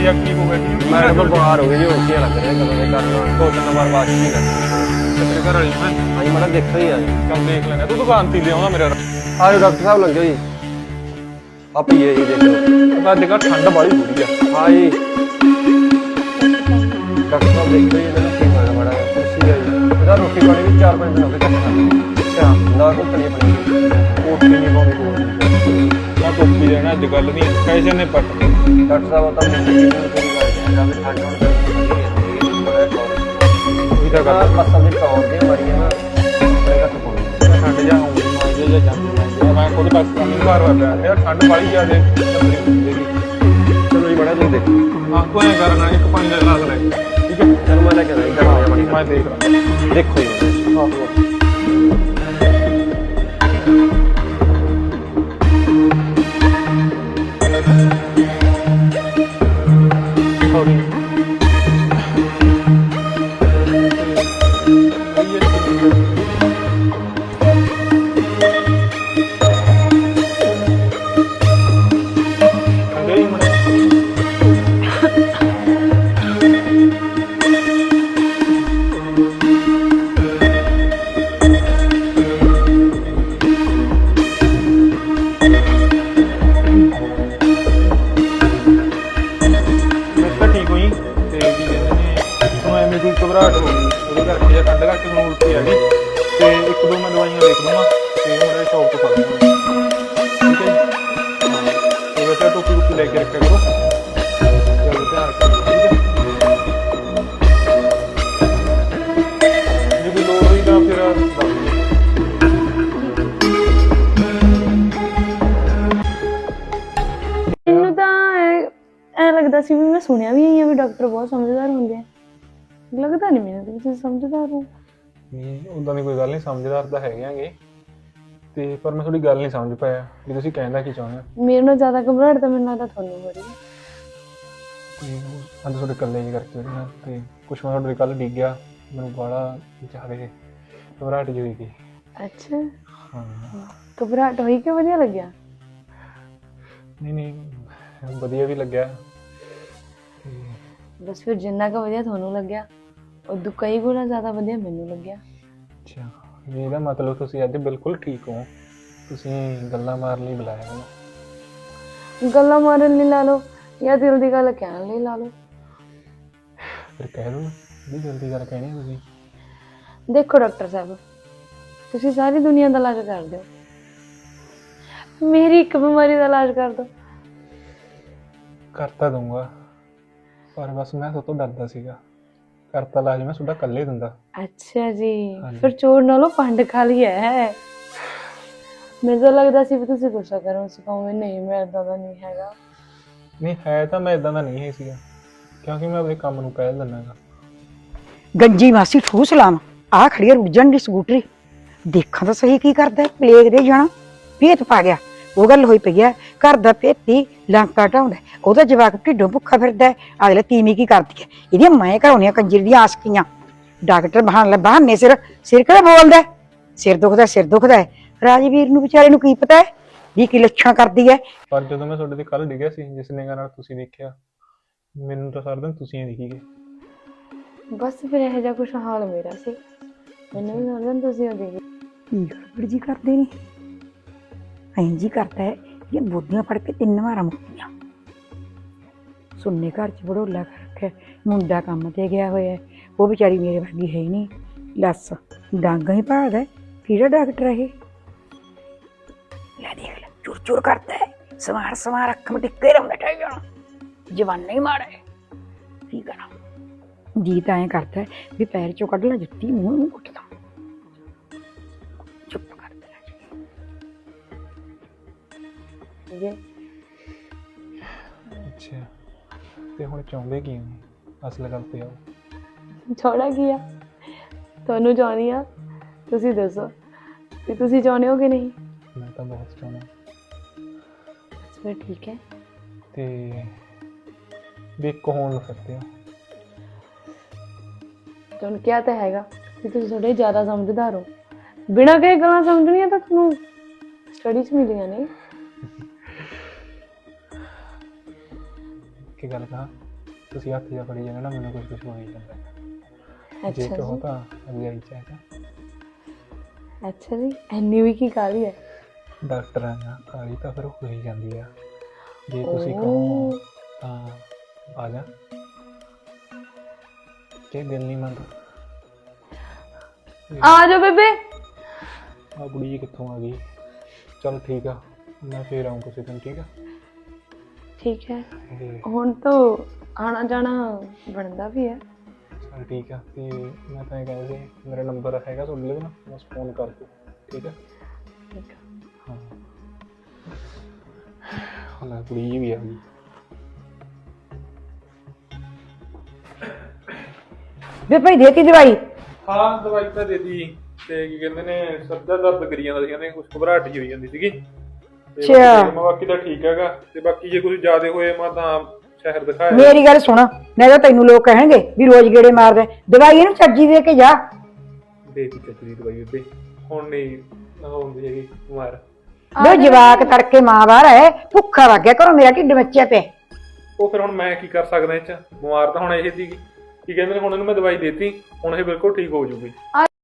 ਆ ਕੀ ਹੋ ਗਿਆ ਕੀ ਮੈਂ ਤਾਂ ਬਿਮਾਰ ਹੋ ਗਈ ਜੀ ਉਲਟੀਆਂ ਲੱਗ ਰਹੀਆਂ ਕਦੋਂ ਦੇ ਕਰਨਾ 2-3 ਵਾਰ ਬਾਅਦ ਨਹੀਂ ਲੱਗੀ ਤੇਰੇ ਘਰ ਵਾਲੀ ਮੈਂ ਹਾਂਜੀ ਮੈਂ ਦੇਖਿਆ ਹੀ ਆ ਜੀ ਚੱਲ ਦੇਖ ਲੈਣਾ ਤੂੰ ਦੁਕਾਨ ਤੇ ਲਿਆਉਂਦਾ ਮੇਰੇ ਆਜੋ ਡਾਕਟਰ ਸਾਹਿਬ ਲੰਘਿਓ ਜੀ ਆ ਪੀਏ ਜੀ ਦੇਖੋ ਤਾਂ ਅੱਜ ਕੱਲ੍ਹ ਠੰਡ ਬਾਹਲੀ ਹੋ ਰਹੀ ਆ ਹਾਂ ਜੀ ਡਾਕਟਰ ਸਾਹਿਬ ਦੇਖੋ ਜੀ ਇਹਨਾਂ ਨੂੰ ਕੀ ਹੋਇਆ ਮਾੜਾ ਜਿਹਾ ਕੁਰਸੀ ਆ ਜੀ ਇਹਦਾ ਰੋਟੀ ਪਾਣੀ ਵੀ 4-5 ਦਿਨ ਹੋ ਗਏ ਘੱਟ ਅੱਛਾ ਨਾ ਕੋਈ ਪਣੀ ਕੋਠੀ ਨਹੀਂ ਪਾਉਂਦੀ ਕੋਈ ਮੈਂ ਟੋਪੀ ਲੈਣਾ ਅੱਜ ਕੱਲ੍ਹ ਨਹੀਂ ਪੈਸੇ ਨੇ ਪੱਟ ਡਾਕਟਰ ਸਾਹਿਬ ਤਾਂ ਮੈਨੂੰ ਕੀ ਪੂਰੀ ਕਰ ਦਿਆ ਵੀ ਠੰਡ ਹੋਣ ਕਰਕੇ ਉਹੀ ਤਾਂ ਗੱਲ ਮਸਲ ਦੀ ਟੌਰ ਦੀ ਮਰੀ ਨਾ ਬੜੇ ਘੱਟ ਪਾਉਣੀ ਠੰਡ ਜਾ ਆਉਂਦੀ ਮਾਂਜੇ ਜਾਂ ਜਾਂਦੀ ਮੈਂ ਖੁਦ ਬਸ ਨਹੀਂ ਘਰ ਵਾ ਪਿਆ ਯਾਰ ਠੰਡ ਬਾਹਲੀ ਜ਼ਿਆਦੇ ਚਲੋ ਜੀ ਬੜਾ ਤੁਸੀਂ ਦੇਖੋ ਹਾਂ ਕੋਈ ਕਰਨਾ ਇੱਕ ਪਾਣੀ ਦਾ ਗਲਾਸ ਲੈ ਠੀਕ ਹੈ ਚਲੋ ਮੈਂ ਲੈ ਕੇ ਆਇਆ ਗਰਮ ਜਿਹਾ ਪਾਣੀ ਮੈਂ ਦੇਖ ਲਾਂ ਦੇਖੋ ਜੀ ਆਹੋ ਘਬਰਾਹਟ ਹੋ ਗਈ ਉਹਦੇ ਕਰਕੇ ਜਾਂ ਠੰਡ ਕਰਕੇ ਹੁਣ ਉਲਟੀ ਆ ਗਈ ਤੇ ਇੱਕ ਦੋ ਮੈਂ ਦਵਾਈਆਂ ਲਿਖ ਦਵਾਂ ਤੇ ਮੇਰਾ ਸ਼ੌਪ ਤੋਂ ਫੜ ਲਵਾਂ ਠੀਕ ਹੈ ਤੇ ਬੇਟਾ ਟੋਪੀ ਲੈ ਕੇ ਰੱਖਿਆ ਕਰੋ ਚਲੋ ਧਿਆਨ ਰੱਖੋ ਠੀਕ ਹੈ ਜੇ ਕੋਈ ਲੋੜ ਹੋਈ ਤਾਂ ਫਿਰ ਦੱਸ ਦਿਓ ਮੈਨੂੰ ਤਾਂ ਐ ਲੱਗਦਾ ਸੀ ਵੀ ਮੈਂ ਸੁਣਿਆ ਵੀ ਹੈ ਵੀ ਡਾਕਟਰ ਬਹੁਤ ਸਮਝਦਾਰ ਹੁੰਦੇ ਆ ਲੱਗਦਾ ਨਹੀਂ ਮੈਨੂੰ ਤੁਸੀਂ ਸਮਝਦਾਰ ਹੋ ਨਹੀਂ ਉਦਾਂ ਦੀ ਕੋਈ ਗੱਲ ਨਹੀਂ ਸਮਝਦਾਰ ਤਾਂ ਹੈਗੇ ਆਂਗੇ ਤੇ ਪਰ ਮੈਂ ਤੁਹਾਡੀ ਗੱਲ ਨਹੀਂ ਸਮਝ ਪਾਇਆ ਵੀ ਤੁਸੀਂ ਕਹਿੰਦਾ ਕੀ ਚਾਹੁੰਦੇ ਹੋ ਮੇਰੇ ਨਾਲ ਜ਼ਿਆਦਾ ਘਬਰਾਹਟ ਤਾਂ ਮੈਨੂੰ ਲੱਗਦਾ ਤੁਹਾਨੂੰ ਹੋ ਰਹੀ ਹੈ ਕੋਈ ਅੱਜ ਤੁਹਾਡੇ ਇਕੱਲੇ ਜੀ ਕਰਕੇ ਉਹਦੇ ਨਾਲ ਤੇ ਕੁਛ ਮੈਂ ਤੁਹਾਡੇ ਕੱਲ੍ਹ ਡਿੱਗ ਗਿਆ ਮੈਨੂੰ ਬੜਾ ਜ਼ਿਆਦਾ ਘਬਰਾਹਟ ਜਿਹੀ ਹੋਈ ਗਈ ਅੱਛਾ ਹਾਂ ਘਬਰਾਹਟ ਹੋਈ ਕਿ ਵਧੀਆ ਲੱਗਿਆ ਨਹੀਂ ਵਧੀਆ ਵੀ ਲੱਗਿਆ ਤੇ ਬਸ ਫਿਰ ਜਿੰਨਾ ਕੁ ਵਧੀਆ ਤੁਹਾਨੂੰ ਲੱਗਿਆ ਉਦੋਂ ਕਈ ਗੁਣਾ ਜ਼ਿਆਦਾ ਵਧੀਆ ਮੈਨੂੰ ਲੱਗਿਆ ਅੱਛਾ ਇਹਦਾ ਮਤਲਬ ਤੁਸੀਂ ਅੱਜ ਬਿਲਕੁਲ ਠੀਕ ਹੋ ਤੁਸੀਂ ਗੱਲਾਂ ਮਾਰਨ ਲਈ ਬੁਲਾਇਆ ਮੈਨੂੰ ਗੱਲਾਂ ਮਾਰਨ ਲਈ ਲਾ ਲਓ ਜਾਂ ਦਿਲ ਦੀ ਗੱਲ ਕਹਿਣ ਲਈ ਲਾ ਲਓ ਫਿਰ ਕਹਿ ਦਿਓ ਵੀ ਜਲਦੀ ਗੱਲ ਕਹਿਣੀ ਤੁਸੀਂ ਦੇਖੋ ਡਾਕਟਰ ਸਾਹਿਬ ਤੁਸੀਂ ਸਾਰੀ ਦੁਨੀਆ ਦਾ ਇਲਾਜ ਕਰ ਦਿਓ ਮੇਰੀ ਇੱਕ ਬਿਮਾਰੀ ਦਾ ਇਲਾਜ ਕਰ ਦਿਓ ਕਰ ਤਾਂ ਦਊਂਗਾ ਪਰ ਬਸ ਮੈਂ ਤੁਹਾਡੇ ਤੋਂ ਡਰਦਾ ਸੀਗਾ ਕਰਤਾ ਇਲਾਜ ਮੈਂ ਤੁਹਾਡਾ ਇਕੱਲੇ ਦਿੰਦਾ ਅੱਛਾ ਜੀ ਫਿਰ ਚੋਰ ਨਾਲੋਂ ਪੰਡ ਖਾ ਲਈ ਹੈ ਮੈਨੂੰ ਤਾਂ ਲੱਗਦਾ ਸੀ ਵੀ ਤੁਸੀਂ ਗੁੱਸਾ ਕਰੋ ਸਿਖਾਉਂਗੇ ਨਹੀਂ ਮੈਂ ਇਦਾਂ ਦਾ ਨਹੀਂ ਹੈਗਾ ਨਹੀਂ ਹੈ ਤਾਂ ਮੈਂ ਇਦਾਂ ਦਾ ਨਹੀਂ ਹੈ ਸੀਗਾ ਕਿਉਂਕਿ ਮੈਂ ਆਪਣੇ ਕੰਮ ਨੂੰ ਕਹਿ ਦਿੰਦਾ ਗੰਜੀ ਮਾਸੀ ਠੂਸ ਲਾਮ ਆ ਖੜੀ ਰੁੱਜਣ ਦੀ ਸਕੂਟਰੀ ਦੇਖਾਂ ਤਾਂ ਸਹੀ ਕੀ ਕਰਦਾ ਪਲੇਗ ਦੇ ਜਾਣਾ ਭੇਤ ਪਾ ਗਿਆ ਉਹ ਗੱਲ ਹੋਈ ਪਈ ਹੈ ਘਰ ਦਾ ਭੇਤੀ ਲੰਕਾ ਢਾਉਂਦਾ ਉਹਦਾ ਜਵਾਕ ਢਿੱਡੋਂ ਭੁੱਖਾ ਫਿਰਦਾ ਅਗਲੇ ਤੀਵੀਂ ਕੀ ਕਰਦੀ ਹੈ ਇਹਦੀਆਂ ਮੈਂ ਘਰਾਉਣੀਆਂ ਕੰਜਰ ਦੀਆਂ ਆਸਕੀਆਂ ਡਾਕਟਰ ਬਹਾਨੇ ਸਿਰ ਕਿਹੜਾ ਬੋਲਦਾ ਸਿਰ ਦੁਖਦਾ ਰਾਜਵੀਰ ਨੂੰ ਵਿਚਾਰੇ ਨੂੰ ਕੀ ਪਤਾ ਵੀ ਕੀ ਲੱਛਣ ਕਰਦੀ ਹੈ ਪਰ ਜਦੋਂ ਮੈਂ ਤੁਹਾਡੇ ਤੇ ਕੱਲ ਡਿੱਗਿਆ ਸੀ ਜਿਸ ਨਿਗਾਹ ਨਾਲ ਤੁਸੀਂ ਦੇਖਿਆ ਮੈਨੂੰ ਤਾਂ ਸਾਰਾ ਦਿਨ ਤੁਸੀਂ ਹੀ ਦਿਖੀ ਗਏ ਬਸ ਫਿਰ ਇਹੋ ਜਿਹਾ ਕੁਛ ਹਾਲ ਮੇਰਾ ਸੀ ਮੈਨੂੰ ਵੀ ਸਾਰਾ ਦਿਨ ਤੁਸੀਂ ਹੋ ਗਏ ਕੀ ਗੜਬੜ ਜੀ ਕਰਦੇ ਨੇ ਐਂ ਜੀ ਕਰਦਾ ਹੈ ਇਹ ਬੋਦੀਆਂ ਫੜ ਕੇ 3 ਵਾਰਾਂ ਮੁੱਕੀਆਂ ਸੁਣਨੇ ਘਰ ਚ ਬੜੋਲਾ ਕਰ ਰੱਖਿਆ ਮੁੰਡਾ ਕੰਮ ਤੇ ਗਿਆ ਹੋਇਆ ਉਹ ਵਿਚਾਰੀ ਮੇਰੇ ਵਰਗੀ ਹੈ ਹੀ ਨਹੀਂ ਲੱਸ ਡਾਂਗਾ ਹੀ ਭਾਲਦਾ ਕਿਹੜਾ ਡਾਕਟਰ ਹੈ ਇਹ ਲੈ ਦੇਖ ਲੈ ਚੁਰ ਕਰਦਾ ਹੈ ਸਮਾਰ ਅੱਖ ਮੇ ਟਿੱਕੇ ਰਹਿੰਦਾ ਠਾਈ ਜਾਣਾ ਜਵਾਨਾ ਹੀ ਮਾੜਾ ਹੈ ਕੀ ਕਰਾਂ ਜੀ ਤਾਂ ਐਂ ਕਰਦਾ ਵੀ ਪੈਰ ਚੋਂ ਕੱਢ ਲਾ ਜੁੱਤੀ ਮੂੰਹ ਨੂੰ ਕੁੱਟਦਾ ਚੁੱਪ ਕਰਦਾ ਜੀ ਅੱਛਾ ਤੇ ਹੁਣ ਚਾਹੁੰਦੇ ਕੀ ਹੋ ਅਸਲ ਗੱਲ ਤੇ ਆਓ ਛੋੜਾ ਕੀ ਆ ਤੁਹਾਨੂੰ ਚਾਹੁੰਦੀ ਆ ਤੁਸੀਂ ਦੱਸੋ ਕਿ ਤੁਸੀਂ ਚਾਹੁੰਦੇ ਹੋ ਕਿ ਨਹੀਂ ਮੈਂ ਤਾਂ ਬਹੁਤ ਚਾਹੁੰਦਾ ਫਿਰ ਠੀਕ ਹੈ ਤੇ ਵੀ ਇੱਕ ਹੋਣ ਨੂੰ ਫਿਰਦੇ ਹੋ ਤੁਹਾਨੂੰ ਕਿਹਾ ਤਾਂ ਹੈਗਾ ਕਿ ਤੁਸੀਂ ਥੋੜੇ ਜ਼ਿਆਦਾ ਸਮਝਦਾਰ ਹੋ ਬਿਨਾਂ ਕਹੇ ਗੱਲਾਂ ਸਮਝਣੀਆਂ ਤਾਂ ਤੁਹਾਨੂੰ ਸਟੱਡੀ 'ਚ ਮਿਲੀਆਂ ਨੇ ਕੀ ਗੱਲ ਕਹਾਂ ਤੁਸੀਂ ਹੱਥ ਜਾ ਫੜੀ ਜਾਂਦੇ ਨਾ ਮੈਨੂੰ ਕੁਝ ਹੋ ਹੀ ਜਾਂਦਾ ਜੇ ਅੱਛਾ ਕਹੋ ਜੀ ਤਾਂ ਅੱਗੇ ਆਈ ਚਾਹੀਦਾ ਅੱਛਾ ਜੀ ਇੰਨੀ ਵੀ ਕੀ ਕਾਹਲੀ ਹੈ ਡਾਕਟਰ ਆ ਨਾ ਕਾਲੀ ਤਾਂ ਫਿਰ ਹੋ ਹੀ ਜਾਂਦੀ ਆ ਜੇ ਤੁਸੀਂ ਓ। ਕਹੋ ਤਾਂ ਆ ਜਾ ਕਿ ਦਿਲ ਨਹੀਂ ਮੰਨਦਾ ਆ ਜਾ ਬੇਬੇ ਆ ਕੁੜੀ ਕਿੱਥੋਂ ਆ ਗਈ ਚਲ ਠੀਕ ਆ ਮੈਂ ਫੇਰ ਆऊँ ਕਿਸੇ ਦਿਨ ਠੀਕ ਆ ਠੀਕ ਹੈ ਤੇ ਹੁਣ ਤਾਂ ਆਣਾ ਜਾਣਾ ਬਣਦਾ ਵੀ ਹੈ ਚਲ ਠੀਕ ਆ ਤੇ ਮੈਂ ਤਾਂ ਇਹ ਕਹਿੰਦਾ ਸੀ ਮੇਰਾ ਨੰਬਰ ਹੈਗਾ ਤੁਹਾਡੇ ਲਈ ਨਾ ਬਸ ਫੋਨ ਕਰ ਦਿਓ ਠੀਕ ਆ ਠੀਕ ਹੈ ਹਾਂ ਹੁਣ ਕੁੜੀ ਵੀ ਆ ਗਈ ਵੇ ਭਾਈ ਦੇ ਕੇ ਦਵਾਈ ਹਾਂ ਦਵਾਈ ਤਾਂ ਦੇ ਦਿੱਤੀ ਤੇ ਕੀ ਕਹਿੰਦੇ ਨੇ ਸਿਰ ਦਾ ਦਰਦ ਕਰੀ ਜਾਂਦਾ ਸੀ ਕਹਿੰਦੇ ਕੁਝ ਘਬਰਾਹਟ ਜਿਹੀ ਹੋਈ ਜਾਂਦੀ ਸੀਗੀ ਤੇ ਅੱਛਾ। ਬਾਕੀ ਤਾਂ ਠੀਕ ਹੈਗਾ ਤੇ ਬਾਕੀ ਜੇ ਕੁਝ ਜ਼ਿਆਦਾ ਹੋਏ ਮੈਂ ਤਾਂ ਸ਼ਹਿਰ ਦਿਖਾਇਆ ਮੇਰੀ ਗੱਲ ਸੁਣ ਨਹੀਂ ਤਾਂ ਤੈਨੂੰ ਲੋਕ ਕਹਿਣਗੇ ਵੀ ਰੋਜ਼ ਗੇੜੇ ਮਾਰਦੇ ਦਵਾਈ ਇਹਨੂੰ ਚੱਜੀ ਦੇ ਕੇ ਜਾ ਦੇ ਦਿੱਤੀ ਚੱਕਰੀ ਦਵਾਈ ਉੱਤੇ ਹੁਣ ਨਹੀਂ ਹੁੰਦੀ ਹੈਗੀ ਬਿਮਾਰ ਵੇ ਜਵਾਕ ਤੜਕੇ ਮਾਂ ਬਾਹਰ ਹੈ ਭੁੱਖਾ ਲੱਗ ਗਿਆ ਘਰੋਂ ਮੇਰਾ ਢਿੱਡ ਮੱਚਿਆ ਪਿਆ ਉਹ ਫਿਰ ਹੁਣ ਮੈਂ ਕੀ ਕਰ ਸਕਦਾ ਇਹ ਚ ਬਿਮਾਰ ਤਾਂ ਹੁਣ ਇਹ ਸੀਗੀ ਕੀ ਕਹਿੰਦੇ ਨੇ ਹੁਣ ਇਹਨੂੰ ਮੈਂ ਦਵਾਈ ਦੇਤੀ ਹੁਣ ਇਹ ਬਿਲਕੁਲ ਠੀਕ ਹੋ ਜੂਗੀ